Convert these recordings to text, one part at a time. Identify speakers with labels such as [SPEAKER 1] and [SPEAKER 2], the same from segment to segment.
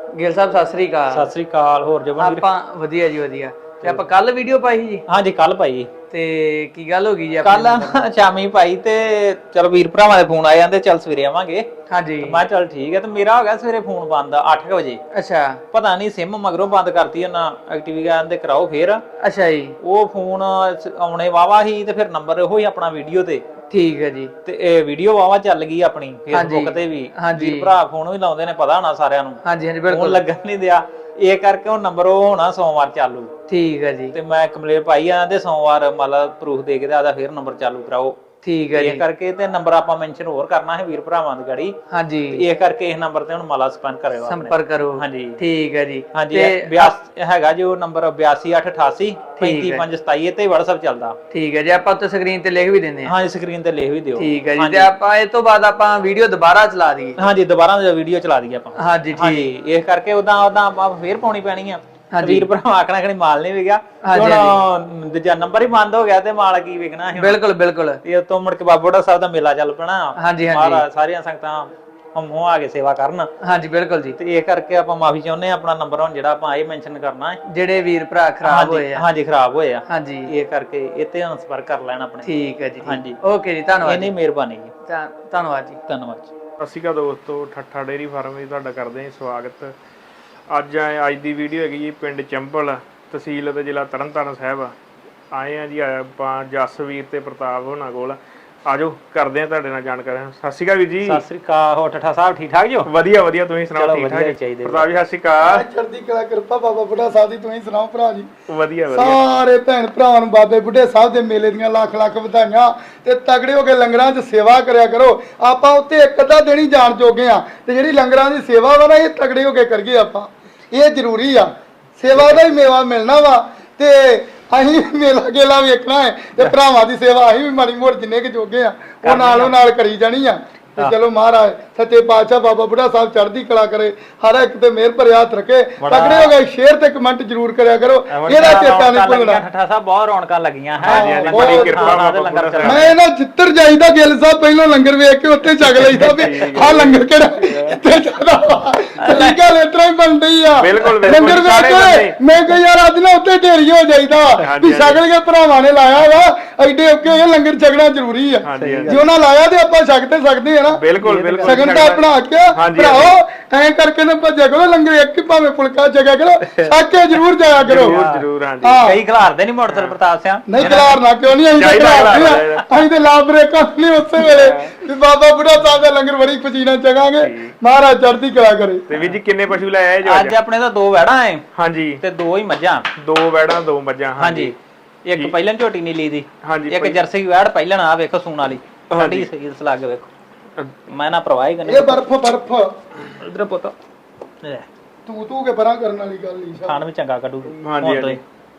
[SPEAKER 1] ਗਿੱਲ ਸਾਹਿਬ ਸਤਿ ਸ੍ਰੀ ਅਕਾਲ।
[SPEAKER 2] ਸਤਿ ਸ੍ਰੀ ਅਕਾਲ। ਹੋਰ ਜਬਨ ਵੀਰ?
[SPEAKER 1] ਆਪਾਂ ਵਧੀਆ ਜੀ ਵਧੀਆ। ਤੇ ਆਪਾਂ ਕੱਲ ਵੀਡੀਓ ਪਾਈ ਜੀ?
[SPEAKER 2] ਹਾਂਜੀ ਕੱਲ ਪਾਈ।
[SPEAKER 1] ਤੇ ਕੀ ਗੱਲ ਹੋ ਗਈ ਜੀ?
[SPEAKER 2] ਕੱਲ ਸ਼ਾਮੀ ਪਾਈ ਤੇ ਚਲ ਵੀਰ ਭਰਾਵਾਂ ਦੇ ਫੋਨ ਆ ਜਾਂਦੇ, ਚੱਲ ਸਵੇਰੇ ਆਵਾਂਗੇ।
[SPEAKER 1] ਹਾਂਜੀ
[SPEAKER 2] ਮੈਂ ਚੱਲ ਠੀਕ ਹੈ। ਤੇ ਮੇਰਾ ਹੋ ਗਿਆ ਸਵੇਰੇ ਫੋਨ ਬੰਦ 8 ਵਜੇ।
[SPEAKER 1] ਅੱਛਾ।
[SPEAKER 2] ਪਤਾ ਨਹੀਂ ਸਿਮ ਮਗਰੋਂ ਬੰਦ ਕਰਤੀ ਉਹਨਾਂ, ਐਕਟਿਵ ਕਹਿੰਦੇ ਕਰਾਓ ਫੇਰ।
[SPEAKER 1] ਅੱਛਾ ਜੀ।
[SPEAKER 2] ਉਹ ਫੋਨ ਆਉਣੇ ਵਾਵਾ ਸੀ ਤੇ ਫਿਰ ਨੰਬਰ ਉਹੀ ਆਪਣਾ ਵੀਡੀਓ ਤੇ।
[SPEAKER 1] ਠੀਕ ਹੈ ਜੀ।
[SPEAKER 2] ਤੇ ਇਹ ਵੀਡੀਓ ਵਾਵਾ ਚੱਲ ਗਈ ਆਪਣੀ ਫੇਸਬੁੱਕ ਤੇ ਵੀ। ਵੀਰ ਭਰਾ ਫੋਨ ਵੀ ਲਾਉਂਦੇ ਨੇ, ਪਤਾ ਹੋਣਾ ਸਾਰਿਆਂ ਨੂੰ।
[SPEAKER 1] ਹਾਂਜੀ ਹਾਂਜੀ ਬਿਲਕੁਲ।
[SPEAKER 2] ਫੋਨ ਲੱਗਣ ਨਹੀਂ ਦਿਆ, ਇਹ ਕਰਕੇ ਉਹ ਨੰਬਰ ਉਹ ਹੋਣਾ ਸੋਮਵਾਰ ਚਾਲੂ।
[SPEAKER 1] ਠੀਕ ਹੈ ਜੀ।
[SPEAKER 2] ਤੇ ਮੈਂ ਕੰਪਲੇਂਟ ਪਾਈ ਆ ਤੇ ਸੋਮਵਾਰ ਮਤਲਬ ਪ੍ਰੂਫ ਦੇ ਕੇ ਤੇ ਆਦਾ ਫਿਰ ਨੰਬਰ ਚਾਲੂ ਕਰਾਓ।
[SPEAKER 1] ਠੀਕ ਹੈ ਜੀ।
[SPEAKER 2] ਇਹ ਕਰਕੇ ਤੇ ਨੰਬਰ ਆਪਾਂ ਮੈਂਸ਼ਨ ਹੋਰ ਕਰਨਾ ਹੈ ਵੀਰ ਭਰਾਵਾਂ ਦੀ ਗਾੜੀ।
[SPEAKER 1] ਹਾਂਜੀ।
[SPEAKER 2] ਇਹ ਕਰਕੇ ਇਸ ਨੰਬਰ ਤੇ ਹੁਣ ਮਾਲਾ ਸੰਪਰਕ ਕਰਿਓ,
[SPEAKER 1] ਸੰਪਰਕ ਕਰੋ। ਹਾਂਜੀ ਠੀਕ ਹੈ ਜੀ।
[SPEAKER 2] ਹਾਂਜੀ ਹੈਗਾ ਜੋ ਨੰਬਰ 8288 35527 ਤੇ WhatsApp ਚੱਲਦਾ।
[SPEAKER 1] ਠੀਕ ਹੈ ਜੀ। ਆਪਾਂ ਉੱਤੇ ਸਕਰੀਨ ਤੇ ਲਿਖ ਵੀ ਦਿੰਦੇ ਹਾਂ।
[SPEAKER 2] ਹਾਂਜੀ ਸਕਰੀਨ ਤੇ ਲਿਖ ਵੀ ਦਿਓ।
[SPEAKER 1] ਠੀਕ ਹੈ ਜੀ। ਤੇ ਆਪਾਂ ਇਸ ਤੋਂ ਬਾਅਦ ਆਪਾਂ ਵੀਡੀਓ ਦੁਬਾਰਾ ਚਲਾ ਦਈਏ?
[SPEAKER 2] ਹਾਂਜੀ ਦੁਬਾਰਾ ਵੀਡੀਓ ਚਲਾ ਦਈਏ ਆਪਾਂ।
[SPEAKER 1] ਹਾਂਜੀ ਠੀਕ।
[SPEAKER 2] ਇਸ ਕਰਕੇ ਉਦਾਂ ਆਪਾਂ ਫੇਰ ਪਾਉਣੀ ਪੈਣੀ ਆ। ਵੀਰ ਭਰਾ ਆਖਣਾ ਕਿ ਮਾਲ ਨਹੀਂ ਵਿਕਿਆ, ਹੁਣ ਦੂਜਾ ਨੰਬਰ ਹੀ ਬੰਦ ਹੋ ਗਿਆ ਤੇ ਮਾਲ ਕੀ ਵਿਕਣਾ ਹੈ।
[SPEAKER 1] ਬਿਲਕੁਲ ਬਿਲਕੁਲ।
[SPEAKER 2] ਤੇ ਉਤੋਂ ਮੁੜ ਕੇ ਬਾਬਾ ਬੁੱਢਾ ਸਾਹਿਬ ਦਾ ਮੇਲਾ ਚੱਲ ਪੈਣਾ।
[SPEAKER 1] ਹਾਂਜੀ
[SPEAKER 2] ਮਹਾਰਾਜ ਸਾਰੀਆਂ ਸੰਗਤਾਂ ਹਮੋਂ ਆ ਕੇ ਸੇਵਾ ਕਰਨ।
[SPEAKER 1] ਹਾਂਜੀ ਬਿਲਕੁਲ ਜੀ।
[SPEAKER 2] ਤੇ ਇਹ ਕਰਕੇ ਆਪਾਂ ਮਾਫੀ ਚਾਹੁੰਦੇ ਆ। ਆਪਣਾ ਨੰਬਰ ਹੁਣ ਜਿਹੜਾ ਆਪਾਂ ਇਹ ਮੈਂਸ਼ਨ ਕਰਨਾ ਹੈ,
[SPEAKER 1] ਜਿਹੜੇ ਵੀਰ ਭਰਾ ਖਰਾਬ ਹੋਏ ਆ।
[SPEAKER 2] ਹਾਂਜੀ ਖਰਾਬ ਹੋਏ ਆ।
[SPEAKER 1] ਹਾਂਜੀ
[SPEAKER 2] ਇਹ ਕਰਕੇ ਇੱਥੇ ਹੁਣ ਸੰਪਰਕ ਕਰ ਲੈਣ ਆਪਣੇ।
[SPEAKER 1] ਠੀਕ ਹੈ ਜੀ।
[SPEAKER 2] ਹਾਂਜੀ
[SPEAKER 1] ਓਕੇ ਜੀ, ਧੰਨਵਾਦ।
[SPEAKER 2] ਇੰਨੀ ਮਿਹਰਬਾਨੀ ਜੀ।
[SPEAKER 1] ਧੰਨਵਾਦ ਜੀ।
[SPEAKER 2] ਧੰਨਵਾਦ ਜੀ।
[SPEAKER 3] ਸਤਿ ਸ਼੍ਰੀ ਅਕਾਲ ਦੋਸਤੋ, ਠੱਠਾ ਡੇਅਰੀ ਫਾਰਮ ਵਿੱਚ ਤੁਹਾਡਾ ਕਰਦੇ ਹਾਂ ਸਵਾਗਤ। ਅੱਜ ਦੀ ਵੀਡੀਓ ਹੈਗੀ ਜੀ ਪਿੰਡ ਚੰਬਲ, ਤਹਿਸੀਲ ਅਤੇ ਜ਼ਿਲ੍ਹਾ ਤਰਨਤਾਰਨ ਸਾਹਿਬ। ਆਏ ਆ ਜੀ ਆਪਾਂ ਜਸਵੀਰ ਤੇ ਪ੍ਰਤਾਪ ਹੋਣਾ ਕੋਲ। ਆਜੋ ਕਰਦੇ ਆ ਤੁਹਾਡੇ ਨਾਲ ਜਾਣਕਾਰੀ। ਸਤਿ ਸ਼੍ਰੀ ਅਕਾਲ ਵੀਰ ਜੀ।
[SPEAKER 2] ਸਤਿ ਸ੍ਰੀ ਅਕਾਲ। ਹੋਰ ਠੱਠਾ ਸਾਹਿਬ ਠੀਕ ਠਾਕ ਜੋ?
[SPEAKER 3] ਵਧੀਆ ਵਧੀਆ, ਤੁਸੀਂ ਸੁਣਾਓ? ਠੀਕ ਠਾਕ
[SPEAKER 2] ਚਾਹੀਦੇ।
[SPEAKER 3] ਪ੍ਰਤਾਪ ਜੀ ਸਤਿ ਸ਼੍ਰੀ ਅਕਾਲ।
[SPEAKER 4] ਚੜ੍ਹਦੀ ਕਲਾ ਕਿਰਪਾ ਬਾਬਾ ਬੁੱਢਾ ਸਾਹਿਬ ਦੀ, ਤੁਸੀਂ ਸੁਣਾਓ ਭਰਾ ਜੀ?
[SPEAKER 3] ਵਧੀਆ ਵਧੀਆ।
[SPEAKER 4] ਸਾਰੇ ਭੈਣ ਭਰਾਵਾਂ ਨੂੰ ਬਾਬੇ ਬੁੱਢੇ ਸਾਹਿਬ ਦੇ ਮੇਲੇ ਦੀਆਂ ਲੱਖ ਲੱਖ ਵਧਾਈਆਂ। ਤੇ ਤਗੜੇ ਹੋ ਕੇ ਲੰਗਰਾਂ 'ਚ ਸੇਵਾ ਕਰਿਆ ਕਰੋ। ਆਪਾਂ ਉੱਤੇ ਇੱਕ ਅੱਧਾ ਦਿਨ ਹੀ ਜਾਣ ਜੋਗੇ ਆ, ਤੇ ਜਿਹੜੀ ਲੰਗਰਾਂ ਦੀ ਸੇਵਾ ਵਾ ਨਾ, ਇਹ ਤਗੜੇ ਹੋ ਕੇ ਕਰੀਏ ਆਪਾਂ। ਇਹ ਜ਼ਰੂਰੀ ਆ, ਸੇਵਾ ਦਾ ਹੀ ਮੇਵਾ ਮਿਲਣਾ ਵਾ। ਤੇ ਅਸੀਂ ਮੇਲਾ ਗੇਲਾ ਵੇਖਣਾ ਹੈ, ਤੇ ਭਰਾਵਾਂ ਦੀ ਸੇਵਾ ਅਸੀਂ ਵੀ ਮਾੜੀ ਮੋੜ ਜਿੰਨੇ ਕਿ ਜੋਗੇ ਆ ਉਹ ਨਾਲੋਂ ਨਾਲ ਕਰੀ ਜਾਣੀ ਆ। ਤੇ ਚਲੋ ਮਹਾਰਾਜ ਸੱਚੇ ਪਾਤਸ਼ਾਹ ਬਾਬਾ ਬੁੱਢਾ ਸਾਹਿਬ ਚੜ੍ਹਦੀ ਕਲਾ ਕਰੇ, ਹਰ ਇੱਕ ਤੇ ਮਿਹਰ ਭਰਿਆ ਹੱਥ ਰੱਖੇ। ਤਗੜੇ ਹੋ ਗਏ, ਸ਼ੇਅਰ ਤੇ ਕਮੈਂਟ ਜ਼ਰੂਰ ਕਰਿਆ ਕਰੋ, ਇਹਦਾ ਚੇਤਾ ਨਹੀਂ ਭੁੱਲਣਾ।
[SPEAKER 2] ਠੱਠਾ ਸਾਹਿਬ ਬਹੁਤ ਰੌਣਕਾਂ ਲੱਗੀਆਂ ਹੈ।
[SPEAKER 3] ਬੜੀ ਕਿਰਪਾ
[SPEAKER 4] ਮੈਂ ਇਹਨਾਂ ਜਿੱਤਰ ਜਾਈਦਾ ਗਿੱਲ ਸਾਹਿਬ ਪਹਿਲਾਂ ਲੰਗਰ ਵੇਖ ਕੇ ਉੱਤੇ ਛਕ ਲਈਦਾ ਵੀ ਆਹ ਲੰਗਰ ਕਿਹੜਾ ਇੱਥੇ ਚੱਲਦਾ ਵਾ। ਠੀਕ ਗੱਲ ਇਸ ਤਰ੍ਹਾਂ ਹੀ ਬਣਦੀ ਆ। ਲੰਗਰ ਵੇਖ ਕੇ ਮੈਂ ਕਿਹਾ ਯਾਰ ਅੱਜ ਨਾ ਉੱਤੇ ਢੇਰੀ ਹੋ ਜਾਈਦਾ ਵੀ ਛਕਲ ਕੇ ਭਰਾਵਾਂ ਨੇ ਲਾਇਆ ਵਾ, ਐਡੇ ਔਕੇ ਇਹ ਲੰਗਰ ਛਕਣਾ ਜ਼ਰੂਰੀ ਆ। ਜੇ ਉਹਨਾਂ ਲਾਇਆ ਤੇ ਆਪਾਂ ਛਕ ਤੇ ਸਕਦੇ ਆ ਨਾ।
[SPEAKER 3] ਬਿਲਕੁਲ ਬਿਲਕੁਲ।
[SPEAKER 4] ਸਗਨ ਦਾ ਆਪਣਾ ਹੱਕ ਭਰਾਓ, ਐਂ ਕਰਕੇ ਨਾ ਭੱਜਿਆ ਕਰੋ। ਲੰਗਰ ਇੱਕ ਹੀ ਭਾਵੇਂ ਫੁਲਕਾ ਛਕਿਆ ਕਰੋ, ਛਕ ਕੇ ਜ਼ਰੂਰ ਜਾਇਆ ਕਰੋ।
[SPEAKER 3] ਜ਼ਰੂਰ। ਹਾਂਜੀ
[SPEAKER 2] ਕਈ ਖਿਲਾਰਦੇ ਨਹੀਂ ਮੋਟਰਸਾਈਕਲ ਪ੍ਰਤਾਪ ਸਿੰਘ।
[SPEAKER 4] ਨਹੀਂ ਖਿਲਾਰਨਾ ਕਿਉਂ ਨਹੀਂ, ਅਸੀਂ ਤੇ ਲਾ ਬ੍ਰੇਕਾਂ ਨਹੀਂ ਉਸੇ ਵੇਲੇ ਵੀ ਬਾਬਾ ਬੁੱਢਾ ਸਾਹਿਬ ਦਾ ਲੰਗਰ ਬੜੀ ਪਸੀਨਾ ਚਗਾਂਗੇ। ਮਹਾਰਾਜ ਚੜ੍ਹਦੀ ਕਲਾ ਕਰੇ।
[SPEAKER 3] ਤੇ ਵੀਰ ਜੀ ਕਿੰਨੇ ਪਸ਼ੂ ਲੈ ਆਏ ਜੋ
[SPEAKER 2] ਅੱਜ? ਆਪਣੇ ਤਾਂ 2 ਵੈੜਾਂ ਐ।
[SPEAKER 3] ਹਾਂਜੀ।
[SPEAKER 2] ਤੇ 2 ਹੀ ਮੱਝਾਂ।
[SPEAKER 3] 2 ਵੈੜਾਂ 2 ਮੱਝਾਂ।
[SPEAKER 2] ਹਾਂਜੀ। ਇੱਕ ਪਹਿਲਣ ਝੋਟੀ ਨੀਲੀ ਦੀ।
[SPEAKER 3] ਹਾਂਜੀ।
[SPEAKER 2] ਇੱਕ ਜਰਸੀ ਵੈੜ ਪਹਿਲਣ ਆ ਵੇਖੋ ਸੂਣ ਵਾਲੀ। ਸਾਡੀ ਸੀਲਸ ਲੱਗ ਵੇਖੋ। ਮੈਂ ਨਾ ਪ੍ਰਵਾਹ ਕਰਨੀ।
[SPEAKER 4] ਇਹ ਬਰਫ
[SPEAKER 2] ਇਧਰ ਪੁੱਤ
[SPEAKER 4] ਤੂੰ ਕੇ ਪਰਾਂ ਕਰਨ ਵਾਲੀ ਗੱਲ ਨਹੀਂ।
[SPEAKER 2] ਖਾਣ ਵਿੱਚ ਚੰਗਾ ਕੱਢੂ।
[SPEAKER 3] ਹਾਂਜੀ ਹਾਂਜੀ।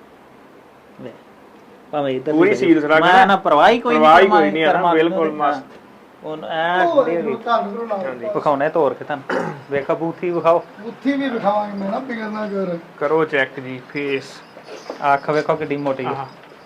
[SPEAKER 2] ਭਾਵੇਂ ਇਧਰ
[SPEAKER 3] ਪੂਰੀ ਸੀਲਸ ਲੱਗ।
[SPEAKER 2] ਮੈਂ ਨਾ ਪ੍ਰਵਾਹ ਕੋਈ
[SPEAKER 3] ਨਹੀਂ ਆ। ਬਿਲਕੁਲ ਮਸਤ।
[SPEAKER 2] ਉਹ ਐ ਵਿਖਾਉਣੇ ਤੋਰ ਕੇ ਤੁਹਾਨੂੰ। ਵੇਖੋ ਬੂਥੀ ਵਿਖਾਓ।
[SPEAKER 4] ਬੂਥੀ ਵੀ ਵਿਖਾਵਾਂਗੇ, ਮੈਂ ਨਾ ਬਿਗੜਨਾ ਕਰ।
[SPEAKER 3] ਕਰੋ ਚੈੱਕ ਜੀ ਫੇਸ।
[SPEAKER 2] ਅੱਖ ਵੇਖੋ ਕਿੱਡੀ ਮੋਟੀ ਹੈ।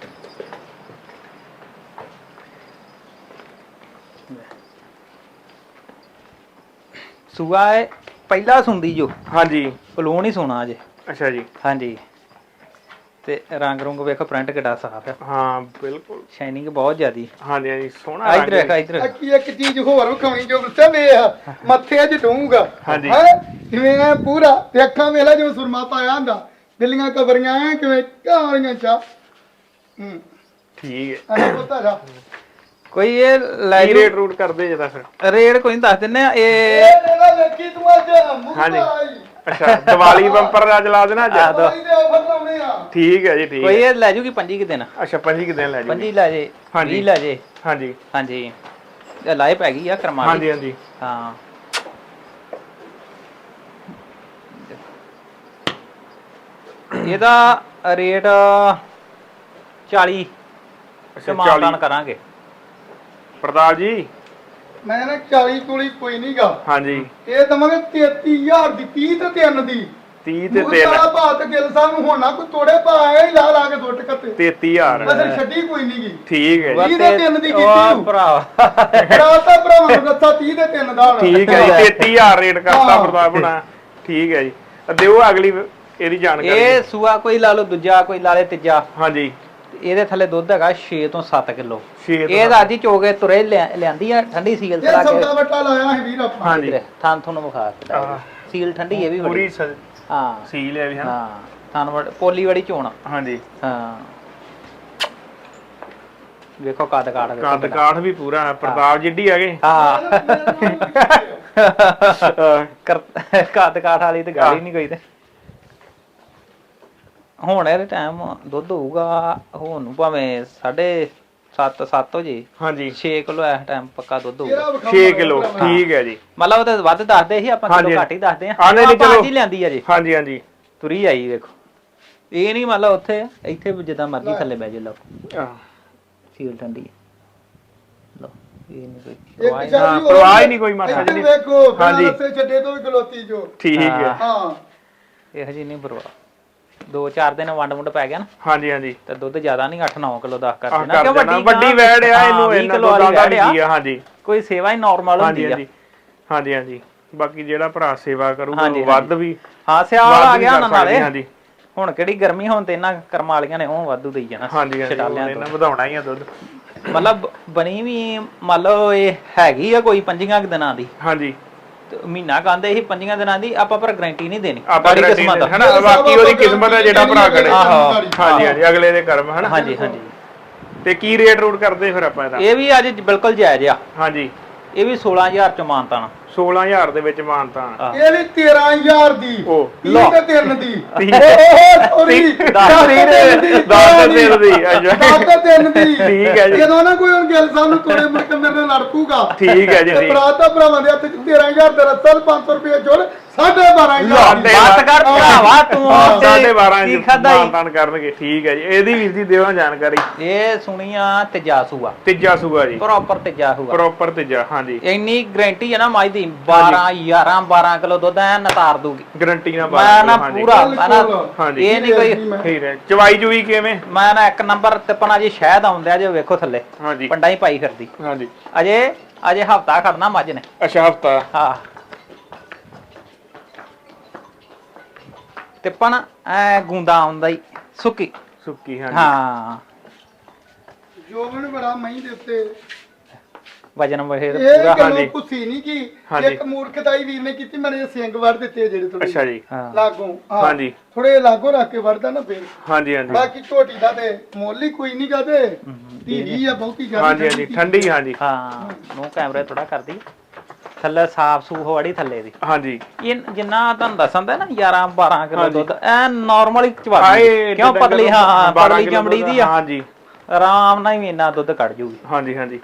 [SPEAKER 2] ਸੂਆ ਹੈ ਪਹਿਲਾ ਸੁੰਦੀ ਜੋ। ਹਾਂਜੀ। ਪਲੂਣ ਹੀ ਸੋਣਾ ਅਜੇ। ਅੱਛਾ ਜੀ। ਹਾਂਜੀ। ਤੇ ਰੰਗ ਰੁੰਗ ਵੇਖੋ, ਪ੍ਰਿੰਟ ਕਿੱਡਾ ਸਾਫ ਹੈ। ਹਾਂ ਬਿਲਕੁਲ, ਸ਼ਾਈਨਿੰਗ ਬਹੁਤ ਜ਼ਿਆਦੀ। ਹਾਂਜੀ ਹਾਂਜੀ ਸੋਹਣਾ। ਇਧਰ ਵੇਖ ਇਧਰ। ਇੱਕ ਚੀਜ਼ ਹੋਰ ਵਿਖਾਉਣੀ ਜੋ ਦੱਸਿਆ ਵੇਖ, ਮੱਥੇ 'ਚ ਡੂੰਗਾ। ਹਾਂਜੀ। ਕਿਵੇਂ ਪੂਰਾ ਤੇ ਅੱਖਾਂ ਵੇਲਾ ਜਿਵੇਂ ਸੁਰਮਾ ਪਾਇਆ ਹੁੰਦਾ, ਬਿੱਲੀਆਂ ਕਬਰੀਆਂ ਕਿਵੇਂ ਕਾਲੀਆਂ ਚਾ। ਠੀਕ ਹੈ। ਅਰੇ ਪਤਾ ਜਾ ਕੋਈ ਇਹ ਲੈ
[SPEAKER 3] ਰੇਟ ਰੂਟ ਕਰਦੇ ਜੇ ਤਾਂ ਫਿਰ
[SPEAKER 2] ਰੇਟ ਕੋਈ ਨਹੀਂ ਦੱਸ ਦਿੰਨੇ ਆ। ਇਹ
[SPEAKER 4] ਵੇਖੀ ਤੂੰ ਅੱਜ
[SPEAKER 3] ਹਾਂਜੀ। ਅੱਛਾ ਦੀਵਾਲੀ ਬੰਪਰ ਰਾਜ ਲਾ ਦੇਣਾ ਅੱਜ। ਠੀਕ ਹੈ ਜੀ ਠੀਕ।
[SPEAKER 2] ਕੋਈ ਇਹ ਲੈ ਜੂਗੀ 25 ਕਿ ਦਿਨ।
[SPEAKER 3] ਅੱਛਾ 25 ਕਿ ਦਿਨ ਲੈ ਜੂਗੀ।
[SPEAKER 2] 25 ਲੈ ਜੇ। 20 ਲੈ ਜੇ।
[SPEAKER 3] ਹਾਂਜੀ
[SPEAKER 2] ਹਾਂਜੀ। ਇਹ ਲਾਏ ਪੈ ਗਈ ਆ ਕਰਮਾ।
[SPEAKER 3] ਹਾਂਜੀ ਹਾਂਜੀ।
[SPEAKER 2] ਹਾਂ ਇਹਦਾ ਰੇਟ 40। ਅੱਛਾ 40 ਕਰਾਂਗੇ ਪ੍ਰਤਾਪ ਜੀ।
[SPEAKER 4] ਮੈਂ ਨਾ 40 ਕੋਲੀ ਕੋਈ ਨਹੀਂਗਾ।
[SPEAKER 3] ਹਾਂਜੀ।
[SPEAKER 4] ਇਹ ਦਵਾਂਗੇ 33000 ਦੀ। 30 ਤੇ 3 ਦੀ।
[SPEAKER 3] 30 ਤੇ 3
[SPEAKER 4] ਸਾਰਾ ਭਾਅ ਤੇ ਗਿੱਲ ਸਾਹਿਬ ਨੂੰ ਹੋਣਾ ਕੋਈ ਤੋੜੇ ਭਾਅ ਐ ਲਾ ਲਾ ਕੇ ਦੁੱਟ ਕੱਤੇ।
[SPEAKER 3] 33000
[SPEAKER 4] ਬਸ ਛੱਡੀ ਕੋਈ ਨਹੀਂਗੀ।
[SPEAKER 3] ਠੀਕ ਹੈ ਜੀ।
[SPEAKER 4] 30 ਤੇ 3 ਦੀ ਕੀਤੀ
[SPEAKER 2] ਉਹ ਭਰਾ
[SPEAKER 4] ਭਰਾਤਾ ਭਰਾਵਾਂ ਨੂੰ ਦੱਸਾ 30 ਤੇ 3 ਦਾ।
[SPEAKER 3] ਠੀਕ ਹੈ ਜੀ। 33000 ਰੇਟ ਕਰਤਾ ਪ੍ਰਤਾਪ ਹੋਣਾ। ਠੀਕ ਹੈ ਜੀ। ਦਿਓ ਅਗਲੀ ਇਹਦੀ ਜਾਣਕਾਰੀ।
[SPEAKER 2] ਇਹ ਸੂਆ ਕੋਈ ਲਾ ਲਓ ਦੂਜਾ, ਕੋਈ ਲਾ ਲੇ ਤੀਜਾ।
[SPEAKER 3] ਹਾਂਜੀ।
[SPEAKER 2] ਇਹਦੇ ਥੱਲੇ ਦੁੱਧ ਹੈਗਾ 6 ਤੋਂ 7 ਕਿਲੋ।
[SPEAKER 3] 6
[SPEAKER 2] ਇਹ ਤਾਂ ਅੱਜ ਹੀ ਚੋਗੇ ਤੁਰੇ ਲਿਆਂਦੀ ਆ ਠੰਡੀ ਸੀਲ
[SPEAKER 4] ਇਹ ਸੌਦਾ ਵੱਟਾ ਲਾਇਆ ਸੀ ਵੀਰ ਆਪਾਂ।
[SPEAKER 3] ਹਾਂਜੀ।
[SPEAKER 2] ਥਾਂ ਤੁਹਾਨੂੰ ਵਿਖਾ ਦਿੱਤਾ। ਸੀਲ ਠੰਡੀ ਇਹ ਵੀ
[SPEAKER 3] ਪੂਰੀ
[SPEAKER 2] ਹਾਂ
[SPEAKER 3] ਸੀਲ ਹੈ ਵੀ ਹਾਂ।
[SPEAKER 2] ਹਾਂ ਥਾਂ ਪੋਲੀ ਵਾਲੀ ਚੋਣ।
[SPEAKER 3] ਹਾਂਜੀ।
[SPEAKER 2] ਹਾਂ ਵੇਖੋ ਕੱਦ
[SPEAKER 3] ਕਾਠ ਵੀ ਪੂਰਾ ਹੈ, ਪ੍ਰਤਾਪ ਜਿੱਡੀ ਹੈਗੇ।
[SPEAKER 2] ਹਾਂ ਕੱਦ ਕਾਠ ਵਾਲੀ ਤੇ ਗੱਲ ਹੀ ਨਹੀਂ ਕੋਈ ਤੇ। ਹੁਣ ਇਹਦੇ ਟਾਈਮ ਦੁੱਧ ਹੋਊਗਾ ਹੁਣ ਨੂੰ ਭਾਵੇਂ 7.5 ਹੋ ਜੇ।
[SPEAKER 3] ਹਾਂਜੀ।
[SPEAKER 2] 6 ਕਿਲੋ ਇਸ ਟਾਈਮ ਪੱਕਾ ਦੁੱਧ ਹੋਊਗਾ।
[SPEAKER 3] 6 ਕਿਲੋ ਠੀਕ ਹੈ ਜੀ।
[SPEAKER 2] ਮਤਲਬ ਉਹ ਤੇ ਵੱਧ ਦੱਸਦੇ ਸੀ ਆਪਾਂ, ਕਿਲੋ ਘੱਟ ਹੀ ਦੱਸਦੇ ਆ।
[SPEAKER 3] ਆਨੇ ਨਹੀਂ ਚਲੋ
[SPEAKER 2] ਜੀ ਲਿਆਂਦੀ ਆ ਜੀ।
[SPEAKER 3] ਹਾਂਜੀ ਹਾਂਜੀ
[SPEAKER 2] ਤੁਰੀ ਆਈ ਵੇਖੋ। ਇਹ ਨਹੀਂ ਮਤਲਬ ਉੱਥੇ ਇੱਥੇ ਜਿੱਦਾਂ ਮਰਜ਼ੀ ਥੱਲੇ ਬਹਿ ਜੇ ਲਓ। ਸੀਲ ਠੰਡੀ ਹੈ। ਲਓ ਇਹ ਨਹੀਂ ਕੋਈ
[SPEAKER 3] ਪਰਵਾਹ ਹੀ ਨਹੀਂ ਕੋਈ ਮਾਸਾ ਜੀ।
[SPEAKER 4] ਵੇਖੋ ਹਾਂਜੀ ਛੱਡੇ ਤੋਂ ਵੀ ਗਲੋਤੀ ਜੋ
[SPEAKER 3] ਠੀਕ ਹੈ।
[SPEAKER 4] ਹਾਂ
[SPEAKER 2] ਇਹੋ ਜੀ ਨਹੀਂ ਪਰਵਾਹ। 2-4 ਦਿਨ ਵੰਡ ਪੈ ਗਿਆ ਨਾ।
[SPEAKER 3] ਹਾਂਜੀ ਹਾਂਜੀ।
[SPEAKER 2] ਤੇ ਦੁੱਧ ਜ਼ਿਆਦਾ ਨਹੀਂ 8-9 ਕਿਲੋ 10 ਕਰ
[SPEAKER 3] ਦੇਣਾ ਕਿਉਂ ਵੱਡੀ ਵੈੜ ਆ ਇਹਨੂੰ ਇਹਨਾਂ ਤੋਂ ਜ਼ਿਆਦਾ ਨਹੀਂ ਆ। ਹਾਂਜੀ
[SPEAKER 2] ਕੋਈ ਸੇਵਾ ਹੀ ਨਾਰਮਲ ਹੁੰਦੀ ਆ।
[SPEAKER 3] ਹਾਂਜੀ ਹਾਂਜੀ। ਬਾਕੀ ਜਿਹੜਾ ਭਰਾ ਸੇਵਾ ਕਰੂਗਾ ਵੱਧ ਵੀ।
[SPEAKER 2] ਹਾਂ ਸਿਆਲ ਆ ਗਿਆ ਨਾ ਨਾਲੇ। ਹਾਂਜੀ। ਹੁਣ ਕਿਹੜੀ ਗਰਮੀ ਹੁਣ ਤੇ ਇਹਨਾਂ ਕਰਮ ਵਾਲੀਆਂ ਨੇ ਉਹ ਵਾਧੂ ਦੇਈ ਜਾਣਾ।
[SPEAKER 3] ਹਾਂਜੀ ਹਾਂਜੀ। ਇਹਨਾਂ ਵਧਾਉਣਾ ਹੀ ਆ ਦੁੱਧ।
[SPEAKER 2] ਮਤਲਬ ਬਣੀ ਵੀ ਮੰਨ ਲਓ ਇਹ ਹੈਗੀ ਆ ਕੋਈ 5 ਦਿਨਾਂ ਦੀ।
[SPEAKER 3] ਹਾਂਜੀ।
[SPEAKER 2] ਮਹੀਨਾ ਕਹਿੰਦੇ ਸੀ 5 ਦਿਨਾਂ ਦੀ ਆਪਾਂ ਪਰ ਗਾਰੰਟੀ ਨਹੀਂ ਦੇਣੀ।
[SPEAKER 3] ਬੜੀ ਕਿਸਮਤ ਹੈ ਨਾ, ਬਾਕੀ ਉਹਦੀ ਕਿਸਮਤ ਹੈ ਜਿਹੜਾ ਭਰਾ ਕਰੇ। ਹਾਂਜੀ ਹਾਂਜੀ ਅਗਲੇ ਦੇ ਕਰਮ ਹੈ ਨਾ।
[SPEAKER 2] ਹਾਂਜੀ ਹਾਂਜੀ।
[SPEAKER 3] ਤੇ ਕੀ ਰੇਟ ਰੂਟ ਕਰਦੇ ਫਿਰ ਆਪਾਂ ਇਹਦਾ?
[SPEAKER 2] ਇਹ ਵੀ ਅੱਜ ਬਿਲਕੁਲ ਜਾਇਜ਼ ਆ।
[SPEAKER 3] ਹਾਂਜੀ।
[SPEAKER 2] ਇਹ ਵੀ 16000 ਚ ਮਾਨਤਾਨ।
[SPEAKER 3] 16000 ਦੇ ਵਿੱਚ ਮਾਨਤਾਨ।
[SPEAKER 4] ਇਹ ਵੀ 13000 ਦੀ।
[SPEAKER 3] ਉਹ
[SPEAKER 4] ਲੋ 3 ਦੀ। ਸੌਰੀ
[SPEAKER 3] 10 ਦੀ। ਅੱਛਾ
[SPEAKER 4] 10 ਦੀ।
[SPEAKER 3] ਠੀਕ ਹੈ ਜੀ।
[SPEAKER 4] ਜਦੋਂ ਨਾ ਕੋਈ ਹੁਣ ਗਿੱਲ ਸਾਹਿਬ ਨੂੰ ਤੋੜੇ ਮੁੜ ਕੇ ਮੇਰੇ ਨਾਲ ਲੜਪੂਗਾ।
[SPEAKER 3] ਠੀਕ ਹੈ ਜੀ।
[SPEAKER 4] ਭਰਾ ਤਾਂ ਭਰਾਵਾਂ ਦੇ ਹੱਥ 'ਚ 13000 ਦਾ ਰੱਸਾ 500 ਰੁਪਏ ਜੋੜ 12,500
[SPEAKER 2] ਬਾਤ ਕਰ ਭਰਾਵਾ ਤੂੰ
[SPEAKER 3] 12,500
[SPEAKER 2] ਕੀ ਖਾਦਾ
[SPEAKER 3] ਮਾਨਤਾਨ ਕਰਨਗੇ। ਠੀਕ ਹੈ ਜੀ। ਇਹਦੀ ਵੀਰ ਦੀ ਦਿਓ ਜਾਣਕਾਰੀ।
[SPEAKER 2] ਇਹ ਸੁਣੀਆਂ ਤੀਜਾ ਸੂਆ।
[SPEAKER 3] ਤੀਜਾ ਸੂਆ ਜੀ।
[SPEAKER 2] ਪ੍ਰੋਪਰ ਤੀਜਾ ਸੂਆ।
[SPEAKER 3] ਪ੍ਰੋਪਰ ਤੀਜਾ। ਹਾਂਜੀ।
[SPEAKER 2] ਇੰਨੀ ਗਾਰੰਟੀ ਹੈ ਨਾ ਮਾਈ ਦੀ 12 ਕਿਲੋ ਦੁੱਧ ਐ ਨਤਾਰ ਦੂਗੀ
[SPEAKER 3] ਗਾਰੰਟੀ ਨਾਲ।
[SPEAKER 2] ਮੈਂ ਨਾ ਪੂਰਾ ਮੈਂ ਨਾ
[SPEAKER 3] ਹਾਂਜੀ।
[SPEAKER 2] ਇਹ ਨਹੀਂ ਕੋਈ
[SPEAKER 3] ਠੀਕ ਹੈ। ਚਵਾਈ ਚੁਈ ਕਿਵੇਂ?
[SPEAKER 2] ਮੈਂ ਨਾ ਇੱਕ ਨੰਬਰ ਤੇ ਪਨਾ ਜੀ ਸ਼ਹਿਦ ਆਉਂਦਿਆ ਜੇ ਵੇਖੋ ਥੱਲੇ।
[SPEAKER 3] ਹਾਂਜੀ।
[SPEAKER 2] ਪੰਡਾ ਹੀ ਪਾਈ ਫਿਰਦੀ।
[SPEAKER 3] ਹਾਂਜੀ।
[SPEAKER 2] ਅਜੇ ਹਫਤਾ ਖੜਨਾ ਮੱਝ ਨੇ।
[SPEAKER 3] ਅੱਛਾ ਹਫਤਾ।
[SPEAKER 2] ਹਾਂ ਤੇ ਪਨ ਐ ਗੁੰਦਾ ਆਉਂਦਾ ਹੀ ਸੁੱਕੀ
[SPEAKER 3] ਸੁੱਕੀ। ਹਾਂਜੀ।
[SPEAKER 2] ਹਾਂ
[SPEAKER 4] ਜੋਬਨ ਬੜਾ ਮਹੀਂ ਦੇ ਉੱਤੇ
[SPEAKER 2] ਵਜਨ ਵਹੇ
[SPEAKER 4] ਇਹ
[SPEAKER 2] ਪੂਰਾ।
[SPEAKER 4] ਗੱਲੋਂ ਪੁੱਛੀ ਨਹੀਂ ਕੀ ਇੱਕ ਮੂਰਖਤਾਈ ਵੀਰ ਨੇ ਕੀਤੀ। ਮੇਰੇ ਸਿੰਘ ਵੜ ਦਿੱਤੇ ਜਿਹੜੇ ਥੋੜੇ।
[SPEAKER 3] ਅੱਛਾ ਜੀ।
[SPEAKER 4] ਲਾਗੋਂ।
[SPEAKER 3] ਹਾਂਜੀ।
[SPEAKER 4] ਥੋੜੇ ਲਾਗੋਂ ਰੱਖ ਕੇ ਵੜਦਾ ਨਾ ਫੇਰ।
[SPEAKER 3] ਹਾਂਜੀ ਹਾਂਜੀ।
[SPEAKER 4] ਬਾਕੀ ਝੋਟੀ ਦਾ ਤੇ ਮੁੱਲ ਹੀ ਕੋਈ ਨਹੀਂ ਕਹਦੇ। ਧੀਰੀ ਆ ਬਹੁਤੀ ਜ਼ਿਆਦਾ।
[SPEAKER 3] ਹਾਂਜੀ ਹਾਂਜੀ ਠੰਡੀ। ਹਾਂਜੀ।
[SPEAKER 2] ਹਾਂ ਨੂੰ ਕੈਮਰੇ ਥੋੜਾ ਕਰਦੀ ਥੱਲੇ ਸਾਫ ਸੂਫ ਵੜੀ ਥੱਲੇ ਦੀ।
[SPEAKER 3] ਹਾਂਜੀ।
[SPEAKER 2] ਇਹ ਜਿੰਨਾ ਤੁਹਾਨੂੰ ਦੱਸਦਾ ਨਾ 11-12 ਕਿਲੋ ਦੁੱਧ ਐ ਨਾਰਮਲੀ ਚਵਾਦੀ ਕਿਉਂ ਪਤਲੀ। ਹਾਂ ਪਤਲੀ ਚਮੜੀ ਦੀ ਆ।
[SPEAKER 3] ਹਾਂਜੀ।
[SPEAKER 2] ਆਰਾਮ ਨਾਲ ਹੀ ਇੰਨਾ ਦੁੱਧ ਕੱਢ ਜੂਗੀ।
[SPEAKER 3] ਹਾਂਜੀ ਹਾਂਜੀ।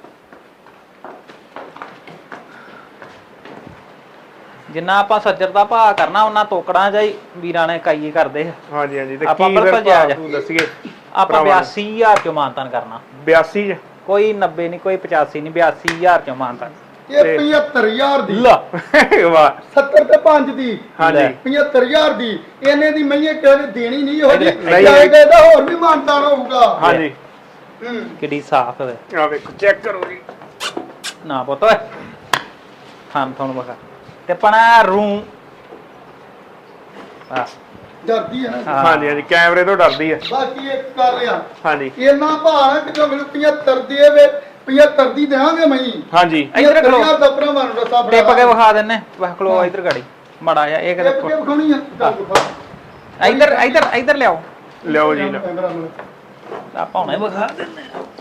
[SPEAKER 2] ਜਿੰਨਾ ਆਪਾਂ ਸੱਜਰ ਦਾ ਭਾਅ ਕਰਨਾ ਉਹਨਾਂ ਤੋਕੜਾਂ ਜਾਈ ਵੀਰਾਂ ਨੇ ਕਾਈ ਕਰਦੇ।
[SPEAKER 3] ਹਾਂਜੀ ਹਾਂਜੀ। ਤੇ
[SPEAKER 2] ਆਪਾਂ
[SPEAKER 3] ਕੀ
[SPEAKER 2] ਬਿਲਕੁਲ ਜਾਇਜ਼
[SPEAKER 3] ਤੂੰ ਦੱਸੀਏ?
[SPEAKER 2] ਆਪਾਂ 82000 ਚੋਂ ਮਾਨਤਾਨ ਕਰਨਾ।
[SPEAKER 3] 82 ਚ
[SPEAKER 2] ਕੋਈ 90 ਨਹੀਂ ਕੋਈ 85 ਨਹੀਂ 82000 ਚੋਂ ਮਾਨਤਾਨ।
[SPEAKER 4] ਇਹ 75000 ਦੀ।
[SPEAKER 2] ਲਾ
[SPEAKER 3] ਵਾਹ।
[SPEAKER 4] 70 ਤੇ 5 ਦੀ।
[SPEAKER 3] ਹਾਂਜੀ।
[SPEAKER 4] 75000 ਦੀ। ਇਹਨੇ ਦੀ ਮਈਏ ਕਿਹਨੇ ਦੇਣੀ ਨਹੀਂ ਹੋ ਜੀ।
[SPEAKER 3] ਨਹੀਂ।
[SPEAKER 4] ਜਾਏਗਾ ਇਹਦਾ ਹੋਰ ਵੀ ਮਾਨਤਾਨ ਹੋਊਗਾ।
[SPEAKER 3] ਹਾਂਜੀ।
[SPEAKER 2] ਕਿੱਡੀ ਸਾਫ਼ ਹੈ।
[SPEAKER 3] ਆ ਵੇਖੋ ਚੈੱਕ ਕਰੋ ਜੀ।
[SPEAKER 2] ਨਾ ਪੁੱਤ ਓਏ ਹਾਂ ਤੁਹਾਨੂੰ ਬਖਾ ਤੇ ਪਣਾ ਰੂ ਆ
[SPEAKER 4] ਡਰਦੀ ਹੈ ਨਾ।
[SPEAKER 3] ਹਾਂਜੀ ਹਾਂਜੀ ਕੈਮਰੇ ਤੋਂ ਡਰਦੀ ਹੈ।
[SPEAKER 4] ਬਾਕੀ ਇੱਕ ਕਰ ਲਿਆ।
[SPEAKER 3] ਹਾਂਜੀ।
[SPEAKER 4] ਇਹਨਾਂ ਭਾਣਾ ਕਿ ਜੋ ਮੈਨੂੰ 75 ਦੇ ਵੇ 75 ਦੀ ਦੇਵਾਂਗੇ ਮਈ।
[SPEAKER 3] ਹਾਂਜੀ।
[SPEAKER 2] ਇੱਧਰ ਖਲੋ।
[SPEAKER 4] 75,000 ਦਾ ਭਰਾਵਾਂ ਨੂੰ ਰਸਾ ਬੜਾ।
[SPEAKER 2] ਟਿਪ ਕੇ ਵਿਖਾ ਦਿੰਨੇ ਵਾ ਖਲੋ ਇੱਧਰ ਗਾੜੀ ਮੜਾ ਜਾ ਇਹ
[SPEAKER 4] ਟਿਪ ਕੇ
[SPEAKER 2] ਕਿਤੇ
[SPEAKER 4] ਵਿਖਾਉਣੀ ਆ। ਚੱਲ ਵਿਖਾ।
[SPEAKER 2] ਇੱਧਰ ਲਿਆਓ
[SPEAKER 3] ਲਿਓ ਜੀ ਲਿਓ।
[SPEAKER 4] ਕੈਮਰਾ ਨੂੰ।
[SPEAKER 2] ਆਪਾਂ ਹੁਣੇ ਵਿਖਾ ਦਿੰਨੇ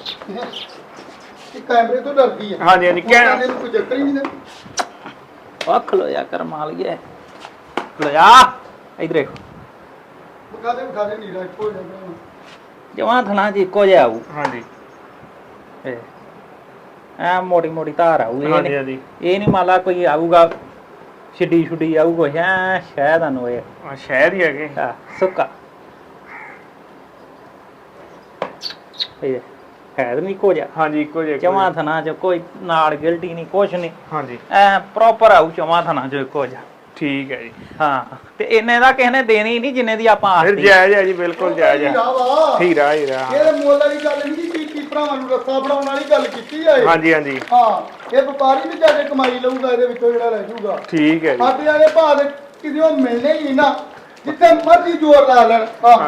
[SPEAKER 4] ਇਹ ਕੈਮਰੇ ਤੋਂ ਡਰਦੀ ਹੈ।
[SPEAKER 3] ਹਾਂਜੀ ਹਾਂਜੀ
[SPEAKER 4] ਕਹਿੰਦੇ ਨੂੰ ਕੋਈ ਚੱਕਰ ਹੀ ਨਹੀਂ ਨਾ।
[SPEAKER 2] ਆ ਖਲੋ ਜਾ ਕਰ ਮਾਲ ਗਿਆ ਖਲੋ ਜਾ ਇੱਧਰ ਦੇਖੋ
[SPEAKER 4] ਵਿਖਾ ਦੇ ਨੀਰਾ ਇੱਕੋ ਜਿਹਾ।
[SPEAKER 2] ਜਵਾਂ ਥਣਾ ਜੀ ਇੱਕੋ ਜਿਹਾ ਆਊ।
[SPEAKER 3] ਹਾਂਜੀ।
[SPEAKER 2] ਐ ਮੋਟੀ ਮੋਟੀ ਧਾਰ ਆਊ।
[SPEAKER 3] ਹਾਂਜੀ ਹਾਂਜੀ।
[SPEAKER 2] ਇਹ ਨਹੀਂ ਮੰਨ ਲਾ ਕੋਈ ਆਊਗਾ ਛਿੱਡੀ ਆਊ ਕੁਛ ਐ ਸ਼ਾਇਦ ਨੂੰ ਇਹ
[SPEAKER 3] ਆ ਸ਼ਹਿਰ ਹੀ ਹੈਗੇ।
[SPEAKER 2] ਸੁੱਕਾ ਇਹ ਹੈ ਨਹੀਂ ਕੋ ਜਾ।
[SPEAKER 3] ਹਾਂਜੀ ਇੱਕੋ ਜਿਹਾ।
[SPEAKER 2] ਚਵਾਂ ਥਣਾ ਚ ਕੋਈ ਨਾਲ ਗਿਲਟੀ ਨਹੀਂ ਕੁਛ ਨਹੀਂ।
[SPEAKER 3] ਹਾਂਜੀ।
[SPEAKER 2] ਐ ਪ੍ਰੋਪਰ ਆਊ ਚਵਾਂ ਥਣਾ ਚ ਇੱਕੋ ਜਾ।
[SPEAKER 3] ਠੀਕ ਹੈ ਜੀ।
[SPEAKER 2] ਹਾਂ ਤੇ ਇਹਨੇ ਦਾ ਕਿਸੇ ਨੇ ਦੇਣੀ ਨਹੀਂ ਜਿੰਨੇ ਦੀ ਆਪਾਂ
[SPEAKER 3] ਫਿਰ
[SPEAKER 2] ਆਸਤੀ।
[SPEAKER 3] ਜਾਇਜ਼ ਹੈ ਜੀ ਬਿਲਕੁਲ ਜਾਇਜ਼ ਹੈ। ਹੀਰਾ ਹੀਰਾ।
[SPEAKER 4] ਇਹ ਮੁੱਲ ਵਾਲੀ ਗੱਲ ਨਹੀਂ ਕੀਤੀ। ਭਰਾਵਾਂ ਨੂੰ ਰੱਸਾ ਬਣਾਉਣ ਵਾਲੀ ਗੱਲ ਕੀਤੀ ਆ ਇਹ।
[SPEAKER 3] ਹਾਂਜੀ ਹਾਂਜੀ।
[SPEAKER 4] ਹਾਂ ਇਹ ਵਪਾਰੀ ਵੀ ਜਾ ਕੇ ਕਮਾਈ ਲਊਗਾ ਇਹਦੇ ਵਿੱਚੋਂ ਜਿਹੜਾ ਰਹਿ ਜਾਊਗਾ।
[SPEAKER 3] ਠੀਕ ਹੈ ਜੀ।
[SPEAKER 4] ਸਾਡੇ ਵਾਲੇ ਭਾਅ ਦੇ ਕਿਤੇ ਉਹ ਮਿਲਣੇ ਹੀ ਨਹੀਂ ਨਾ ਜਿੱਥੇ ਮਰਜ਼ੀ ਜ਼ੋਰ ਲਾ ਲੈਣ ਹਾਂ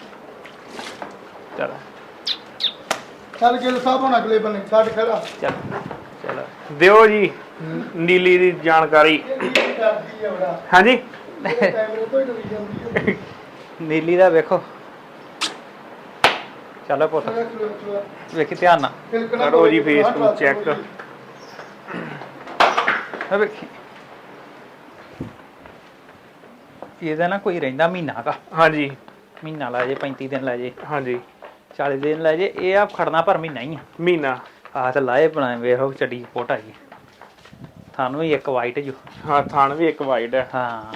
[SPEAKER 3] ਚਲ
[SPEAKER 4] ਚੱਲ ਗਿੱਲ ਸਾਹਿਬ ਹੁਣ ਅਗਲੇ ਬੰਨੇ ਛੱਡ ਖੜਾ
[SPEAKER 2] ਚੱਲ ਚਲੋ
[SPEAKER 3] ਦਿਓ ਜੀ ਨੀਲੀ ਦੀ ਜਾਣਕਾਰੀ
[SPEAKER 4] ਕਰਦੀ ਆ ਬੜਾ
[SPEAKER 3] ਹਾਂਜੀ
[SPEAKER 4] ਕੈਮਰੇ ਤੋਂ ਹੀ ਡਰੀ ਜਾਂਦੀ ਹੈ
[SPEAKER 2] ਨੀਲੀ ਦਾ ਵੇਖੋ ਚਲੋ ਪੁੱਤ ਵੇਖੀ ਧਿਆਨ ਨਾਲ
[SPEAKER 3] ਕਰੋ ਜੀ ਫੇਸਬੁੱਕ ਚੈੱਕ
[SPEAKER 2] ਆ ਵੇਖੀ ਇਹਦਾ ਨਾ ਕੋਈ ਰਹਿੰਦਾ ਮਹੀਨਾ ਦਾ
[SPEAKER 3] ਹਾਂਜੀ
[SPEAKER 2] ਮਹੀਨਾ ਲੈ ਜੇ 35 ਦਿਨ ਲੈ ਜੇ
[SPEAKER 3] ਹਾਂਜੀ
[SPEAKER 2] 40 ਦਿਨ ਲੈ ਜੇ ਇਹ ਆ ਖੜਨਾ ਪਰ ਮਹੀਨਾ ਹੀ ਆ
[SPEAKER 3] ਮਹੀਨਾ
[SPEAKER 2] ਆ ਤੇ ਲਾਏ ਬਣਾਏ ਵੇਖੋ ਚੱਡੀ ਫੋਟ ਆਈ ਤੁਹਾਨੂੰ ਵੀ ਇੱਕ ਵਾਈਟ ਜੋ
[SPEAKER 3] ਹਾਂ ਥਣ ਵੀ ਇੱਕ ਵਾਈਡ ਹੈ
[SPEAKER 2] ਹਾਂ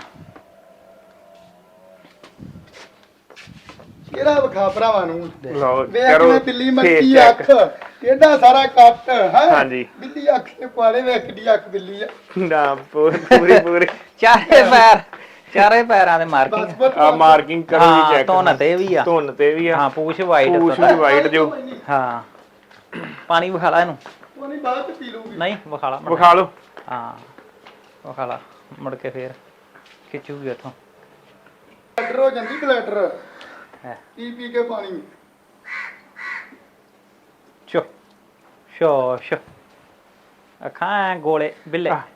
[SPEAKER 4] ਕਿਹੜਾ ਵਿਖਾ ਭਰਾਵਾਂ ਨੂੰ
[SPEAKER 3] ਲਓ
[SPEAKER 4] ਵੇਖ
[SPEAKER 3] ਕਰੋ
[SPEAKER 4] ਮੈਂ ਬਿੱਲੀ ਮੱਕੀ
[SPEAKER 3] face check।
[SPEAKER 4] ਅੱਖ ਕਿਹੜਾ ਸਾਰਾ ਕੱਟ ਹੈ
[SPEAKER 3] ਹਾਂਜੀ।
[SPEAKER 4] ਬਿੱਲੀ ਅੱਖ ਦੇ ਪਾਲੇ ਵੇਖ ਕਿੱਡੀ ਅੱਖ ਬਿੱਲੀ ਆ
[SPEAKER 3] ਨਾ ਪੂਰੀ
[SPEAKER 2] ਚਾਰੇ ਪੈਰਾਂ ਦੇ ਮਾਰਕਿੰਗ
[SPEAKER 4] ਬਸ ਬਸ
[SPEAKER 3] ਆ ਮਾਰਕਿੰਗ ਕਰੋ ਜੀ
[SPEAKER 2] ਹਾਂ
[SPEAKER 3] ਚੈੱਕ
[SPEAKER 2] ਧੁੰਨ ਤੇ ਵੀ ਆ
[SPEAKER 3] ਧੁੰਨ ਤੇ ਵੀ ਆ
[SPEAKER 2] ਹਾਂ ਪੂਛ ਵਾਈਟ
[SPEAKER 3] ਪੂਛ ਵੀ ਵਾਈਟ ਜੋ
[SPEAKER 2] ਹਾਂ ਪਾਣੀ ਵਿਖਾ ਲਾ ਇਹਨੂੰ
[SPEAKER 4] ਉਹ ਨਹੀਂ ਬਾਅਦ ਚ ਪੀ ਲੂਗੀ
[SPEAKER 2] ਨਹੀਂ ਵਿਖਾ ਲਾ
[SPEAKER 3] ਵਿਖਾ ਲਓ
[SPEAKER 2] ਹਾਂ ਵਿਖਾ ਲਾ ਮੁੜ ਕੇ ਫੇਰ ਖਿੱਚੂਗੀ ਉੱਥੋਂ
[SPEAKER 4] ਬਲੈਡਰ ਹੋ ਜਾਂਦੀ ਬਲੈਡਰ
[SPEAKER 2] ਹੈ
[SPEAKER 4] ਪੀ ਪੀ ਕੇ ਪਾਣੀ
[SPEAKER 2] ਚੋ ਸ਼ੋ ਅੱਖਾਂ ਗੋਲੇ ਬਿੱਲੇ
[SPEAKER 3] ਆਹ।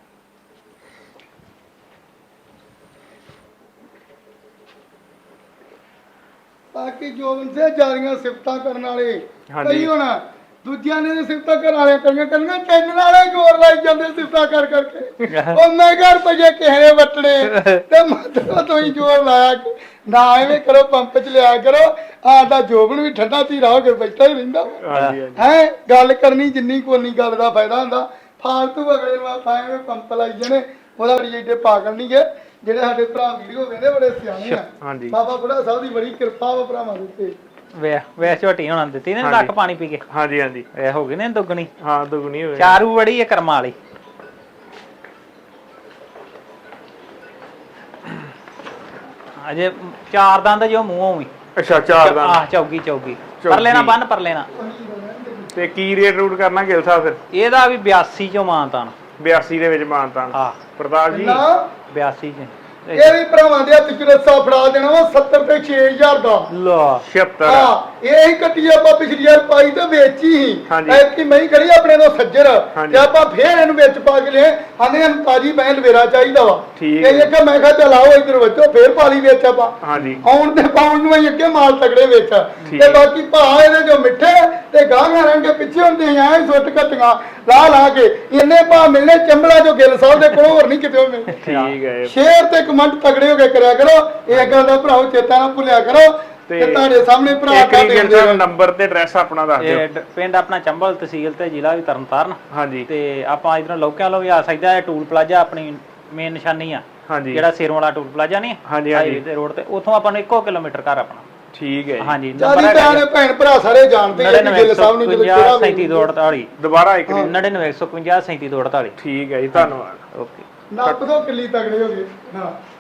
[SPEAKER 4] ਬਾਕੀ ਜੋ ਬੰਦੇ ਜਾਰੀਆਂ ਸਿਫਤਾਂ ਕਰਨ ਵਾਲੇ
[SPEAKER 3] ਹਾਂਜੀ।
[SPEAKER 4] ਕਈ ਹੁਣ ਦੂਜਿਆਂ ਨੇ ਤਾਂ ਸਿਫਤਾਂ ਕਰਨ ਵਾਲੇ ਕਰੀਆਂ ਚੈਨਲ ਵਾਲੇ ਜ਼ੋਰ ਲਾਈ ਜਾਂਦੇ ਸਿਫਤਾਂ ਕਰ ਕਰਕੇ ਉਹ ਮੈਂ ਘਰ ਪਜੇ ਕਿਸੇ ਨੇ ਵਟਣੇ ਤੇ ਮਤਲਬ ਤੁਸੀਂ ਜ਼ੋਰ ਲਾਇਆ ਕਿ ਨਾ ਐਵੇਂ ਕਰੋ ਪੰਪ ਚ ਲਿਆ ਕਰੋ ਆਡਾ ਜੋਬਨ ਵੀ ਠੰਡਾ ਧੀਰਾ ਹੋ ਕੇ ਬੈਠਾ ਹੀ ਰਹਿੰਦਾ
[SPEAKER 3] ਹਾਂਜੀ ਹਾਂਜੀ
[SPEAKER 4] ਹੈ ਗੱਲ ਕਰਨੀ ਜਿੰਨੀ ਕੋਨੀ ਗੱਲ ਦਾ ਫਾਇਦਾ ਹੁੰਦਾ ਫਾਲਤੂ ਅਗਲੇ ਨੂੰ ਆਪਾਂ ਐਵੇਂ ਪੰਪ ਲਾਈ ਜਾਣੇ ਉਹਦਾ ਬੜੀ ਏਡੇ ਪਾਗਲ ਨਹੀਂ ਗਏ ਜਿਹੜੇ ਸਾਡੇ ਭਰਾ ਵੀਡੀਓ ਵੇਖਦੇ ਬੜੇ ਸਿਆਣੇ ਆ
[SPEAKER 3] ਹਾਂਜੀ
[SPEAKER 4] ਬਾਬਾ ਬੁੱਢਾ ਸਾਹਿਬ ਦੀ ਬੜੀ ਕਿਰਪਾ ਵਾ ਭਰਾਵਾਂ ਦੇ ਉੱਤੇ
[SPEAKER 2] ਵੇ ਝੋਟੀ ਹੋਣਾ ਦਿੱਤੀ ਨੇ
[SPEAKER 3] ਹਾਂਜੀ।
[SPEAKER 2] ਲੱਕ ਪਾਣੀ ਪੀ ਕੇ
[SPEAKER 3] ਹਾਂਜੀ ਹਾਂਜੀ
[SPEAKER 2] ਇਹ ਹੋ ਗਈ ਨੇ ਦੁੱਗਣੀ
[SPEAKER 3] ਹਾਂ ਦੁਗਣੀ ਹੋਵੇ
[SPEAKER 2] ਚਾਰੂ ਬੜੀ ਹੈ ਕਰਮਾਂ ਵਾਲੀ ਅਜੇ ਚਾਰ ਦੰਦ ਜੋ ਮੂੰਹੋਂ ਵੀ
[SPEAKER 3] ਅੱਛਾ ਚਾਰ ਦਾ
[SPEAKER 2] ਆਹ ਚੌਗੀ ਪਰ ਲੈਣਾ ਬੰਨ ਪਰ ਲੈਣਾ
[SPEAKER 3] ਤੇ ਕੀ ਰੇਟ ਰੂਟ ਕਰਨਾ ਗਿਲ ਸਾਹਿਬ ਫਿਰ
[SPEAKER 2] ਇਹਦਾ ਵੀ 82 ਚੋਂ ਮਾਨਤਾਨ
[SPEAKER 3] 82 ਦੇ ਵਿੱਚ ਮਾਨਤਾਨ
[SPEAKER 2] ਹਾਂ
[SPEAKER 3] ਪ੍ਰਤਾਪ ਜੀ
[SPEAKER 4] ਨਾ
[SPEAKER 2] 82 ਚ
[SPEAKER 4] ਇਹ ਵੀ ਭਰਾਵਾਂ ਦੇ ਹੱਥ ਚ ਰੱਸਾ ਫੜਾ ਦੇਣਾ ਵਾ 70 ਤੇ 6000 ਦਾ
[SPEAKER 2] ਲਾ
[SPEAKER 3] 76
[SPEAKER 4] ਹਾਂ ਇਹ ਹੀ ਕੱਟੀ ਆਪਾਂ ਪਿਛਲੀ ਵਾਰ ਪਾਈ ਤੇ ਵੇਚੀ ਹੀ
[SPEAKER 3] ਹਾਂਜੀ।
[SPEAKER 4] ਐਤਕੀ ਮੈਂ ਖੜੀ ਆਪਣੇ ਤੋਂ ਸੱਜਰ
[SPEAKER 3] ਹਾਂਜੀ।
[SPEAKER 4] ਤੇ ਆਪਾਂ ਫੇਰ ਇਹਨੂੰ ਵਿੱਚ ਪਾ ਕੇ ਲਿਆ ਆਨੇ ਨੂੰ ਤਾਜੀ ਮੈਂ ਲਵੇਰਾ ਚਾਹੀਦਾ ਵਾ
[SPEAKER 3] ਠੀਕ
[SPEAKER 4] ਇਹ ਕਿ ਮੈਂ ਕਿਹਾ ਚਲ ਆਓ ਇੱਧਰ ਵੱਜੋ ਫੇਰ ਪਾਲੀ ਵਿੱਚ ਆਪਾਂ
[SPEAKER 3] ਹਾਂਜੀ
[SPEAKER 4] ਆਉਣ ਤੇ ਪਾਉਣ ਨੂੰ ਹੀ ਅੱਗੇ ਮਾਲ ਤਗੜੇ ਵਿੱਚ
[SPEAKER 3] ਠੀਕ।
[SPEAKER 4] ਤੇ ਬਾਕੀ ਭਾ ਇਹਦੇ ਜੋ ਮਿੱਠੇ ਤੇ ਗਾਂਹਾਂ ਰਹਿਣਗੇ ਪਿੱਛੇ ਹੁੰਦੇ ਐ ਸੁੱਟ ਕੱਟੀਆਂ ਲਾ ਕੇ ਇੰਨੇ ਭਾ ਮਿਲਨੇ ਚੰਬਲਾ ਜੋ ਗਿੱਲ ਸਾਹਿਬ ਦੇ ਕੋਲ ਹੋਰ ਨਹੀਂ ਕਿਤੇ ਮਿਲਣੇ
[SPEAKER 3] ਠੀਕ ਹੈ
[SPEAKER 4] ਸ਼ੇਅਰ ਤੇ ਕਮੈਂਟ ਤਗੜੇ ਹੋ ਕੇ ਕਰਿਆ ਕਰੋ ਇਹ ਗੱਲ ਦਾ ਭਰਾਓ ਚੇਤਾ ਨਾ ਭੁੱਲਿਆ ਕਰੋ ਤੇ ਤੁਹਾਡੇ ਸਾਹਮਣੇ ਭਰਾ
[SPEAKER 3] ਇੱਕ
[SPEAKER 4] ਕਾ
[SPEAKER 3] ਹੀ ਗਿਲ
[SPEAKER 4] ਦਿੰਦੇ
[SPEAKER 3] ਸਾਹਿਬ ਨੰਬਰ ਤੇ ਐਡਰੈਸ ਆਪਣਾ ਦੱਸ ਦਿਓ
[SPEAKER 2] ਇਹ ਪਿੰਡ ਆਪਣਾ ਚੰਬਲ ਤਹਿਸੀਲ ਤੇ ਜ਼ਿਲ੍ਹਾ ਵੀ ਤਰਨਤਾਰਨ
[SPEAKER 3] ਹਾਂਜੀ
[SPEAKER 2] ਤੇ ਆਪਾਂ ਇਧਰੋਂ ਲੋਕਿਆਂ ਲੋ ਵੀ ਆ ਸਕਦਾ ਇਹ ਟੂਲ ਪਲਾਜ਼ਾ ਆਪਣੀ ਮੇਨ ਨਿਸ਼ਾਨੀ ਆ
[SPEAKER 3] ਹਾਂਜੀ
[SPEAKER 2] ਜਿਹੜਾ ਸਿਰੋਂ ਵਾਲਾ ਟੂਲ ਪਲਾਜ਼ਾ ਨਹੀਂ
[SPEAKER 3] ਹਾਂਜੀ, ਹਾਂਜੀ।
[SPEAKER 2] ਹਾਈਵੇ ਤੇ ਰੋਡ ਤੇ ਉੱਥੋਂ ਆਪਾਂ ਨੂੰ 1 ਕਿਲੋਮੀਟਰ ਘਰ ਆਪਣਾ
[SPEAKER 3] ਠੀਕ ਹੈ ਜੀ
[SPEAKER 2] ਹਾਂਜੀ
[SPEAKER 4] ਜਿਆਦੀ ਭੈਣ ਭੈਣ ਭਰਾ ਸਾਰੇ ਜਾਣਦੇ ਆ ਕਿ ਗਿੱਲ ਸਾਹਿਬ ਨੂੰ ਜਦੋਂ ਕਿਹੜਾ
[SPEAKER 2] 3748
[SPEAKER 3] ਦੁਬਾਰਾ ਇੱਕ
[SPEAKER 2] 99 150 3748
[SPEAKER 3] ਠੀਕ ਹੈ ਜੀ ਧੰਨਵਾਦ
[SPEAKER 2] ਓਕੇ
[SPEAKER 4] ਨੱਪ ਦੋ ਕਿੱਲੀ ਤਗੜੇ ਹੋ ਗਏ ਹਾਂ